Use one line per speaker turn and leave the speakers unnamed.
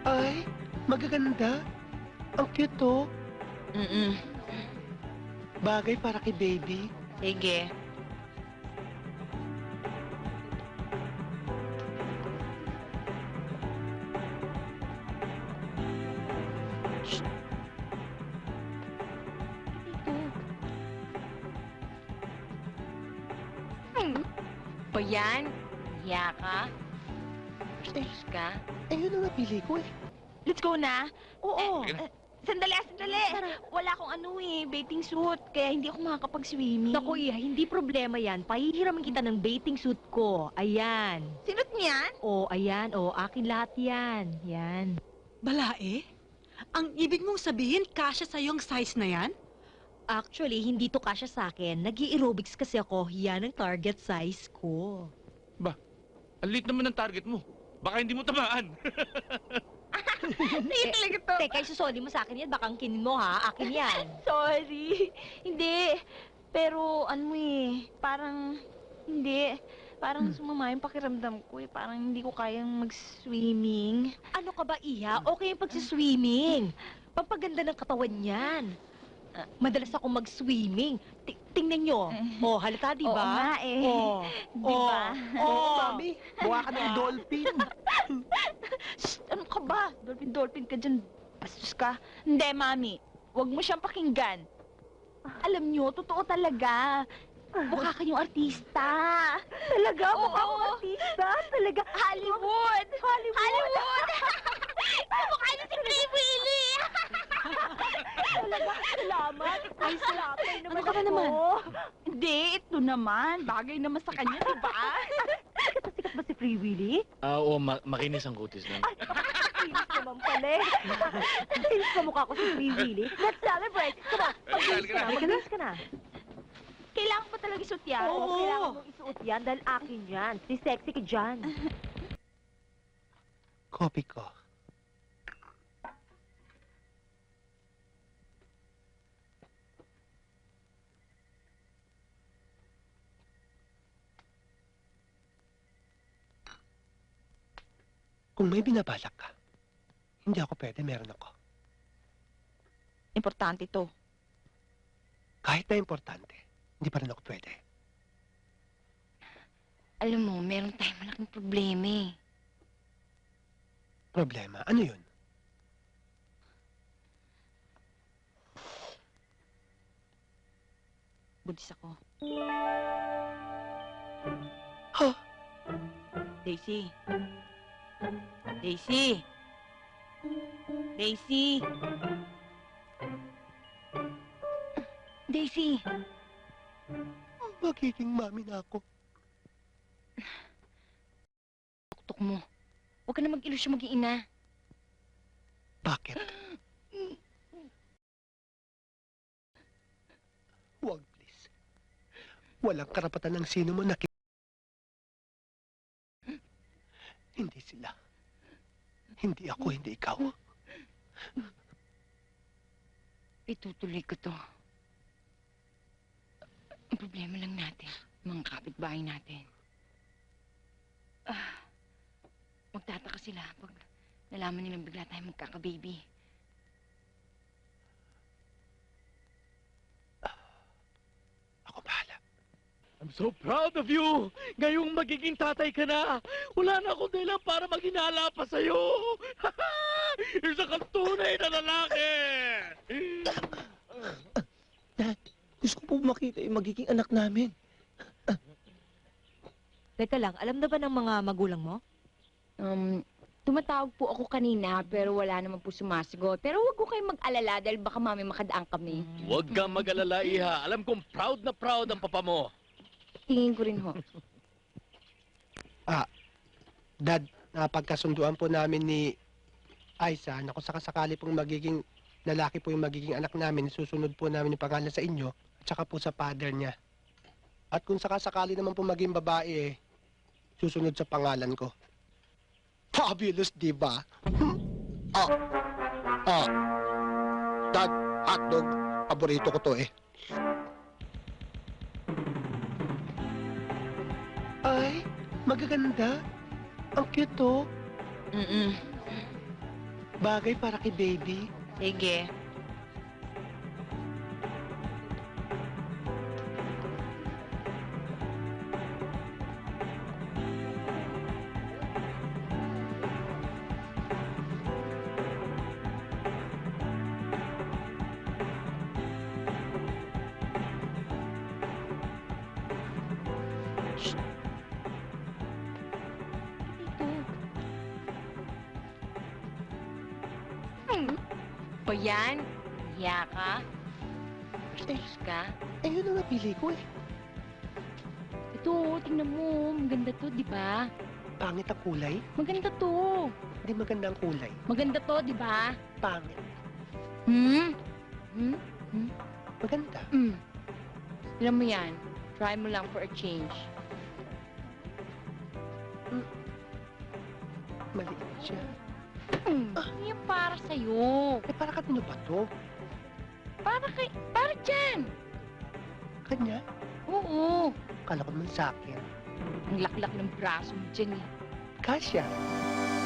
Ay, magaganda. Ang cute to.
Mm-mm.
Bagay para kay baby.
Sige. O yan? Hiya ka? Bastos ka?
Ayun ang napili ko eh.
Let's go na.
Oo.
Sandali, sandali. Wala akong bathing suit. Kaya hindi ako makakapag-swimming.
Naku, Iha, hindi problema yan. Pahihiraman kita ng bathing suit ko. Ayan.
Sinot niyan?
O, ayan. O, akin lahat yan. Yan.
Balae? Ang ibig mong sabihin, kasya sa'yo ang size na yan?
Actually, hindi to kasya sa akin. Nag-aerobics kasi ako. Yan ang target size ko.
Ang liit naman ng target mo. Baka hindi mo tamaan.
Hindi talaga to.
Teka, isusoli mo sa akin yan. Baka ang kinin mo, ha? Akin yan.
Sorry. Hindi. Pero parang hindi. Parang sumama yung pakiramdam ko eh. Parang hindi ko kayang mag-swimming.
Ano ka ba, Iha? Okay yung pagsiswimming. Pampaganda ng katawan yan. Madalas ako mag-swimming. Tingnan nyo. Oh, halata, di
Oo
ba?
nga eh.
Oh,
Di ba?
Oo, mami. Mukha ka ng dolphin.
Shh! Ano ka ba? Dolphin ka dyan. Bastos ka. Hindi, Mami. Huwag mo siyang pakinggan. Alam niyo, totoo talaga. Mukha kayong artista.
Talaga?
Oo.
Mukha akong artista? Talaga?
Hollywood!
Hollywood!
Mukha niyo si Free Willy!
Talaga? Salamat. Ay, salamat.
Ano ka ba naman? Hindi, ito naman. Bagay naman sa kanya, di ba?
Sikat ba si Free Willy?
Oo, makinis ang kutis lang.
Kinis naman pala eh. Kinis sa mukha ko si Free Willy. Let's celebrate. Come on, mag-kinis ka na. Mag-kinis ka na.
Kailangan pa talaga isuot yan.
Oo, kailangan mong isuot yan dahil akin yan. Si sexy ka dyan.
Copy ko. Kung may binabalak ka, hindi ako pwede, meron ako.
Importante to.
Kahit na importante, hindi pa rin ako pwede.
Alam mo, meron tayong malaking problema eh.
Problema, ano yun?
Buntis ako.
Ha?
Daisy. Daisy. Daisy.
Daisy!
Magiging mami na ako.
Tuktok mo. Huwag ka na mag-ilusyon maging ina.
Bakit? Huwag, please. Walang karapatan ng sino mo na Hindi sila. Hindi ako, hindi ikaw.
Itutuloy ko to. Ang problema lang natin, mga kapitbahay natin. Magtataka sila pag nalaman nilang bigla tayo magkakababy.
Ako bahala.
I'm so proud of you! Ngayong magiging tatay ka na! Wala na akong dahilan para maghinala pa sa'yo! Isa kang tunay na lalaki!
Dad, gusto ko po makita yung magiging anak namin.
Teka lang, alam na ba ng mga magulang mo?
Tumatawag po ako kanina pero wala naman po sumasagot. Pero huwag ko kayong mag-alala dahil baka mami makadaan kami.
Huwag kang mag-alala, Iha. Alam kong proud na proud ang papa mo.
Tingin ko rin ho.
Dad, napagkasunduan po namin ni Aiza na kung sakasakali pong magiging lalaki po yung magiging anak namin, susunod po namin yung pangalan sa inyo at saka po sa father niya. At kung sakasakali naman po maging babae, susunod sa pangalan ko. Fabulous, di ba? Dad, hotdog. Paborito ko to eh. Ay, magaganda. Ang cute to. Bagay para kay baby.
Sige.
Ba yan? Hiya ka? Bastos ka?
Eh, yun ang napili ko eh.
Ito, tingnan mo. Maganda to, di ba?
Pangit ang kulay.
Maganda to.
Hindi maganda ang kulay.
Maganda to, di ba?
Pangit.
Hmm?
Maganda.
Tignan mo yan. Try mo lang for a change.
Maliit siya.
Hindi yan para sa'yo.
Eh, para kanino ba to?
Para dyan.
Kanya?
Oo.
Kala ko naman sa akin.
Ang laklak ng braso mo dyan eh.
Kasya.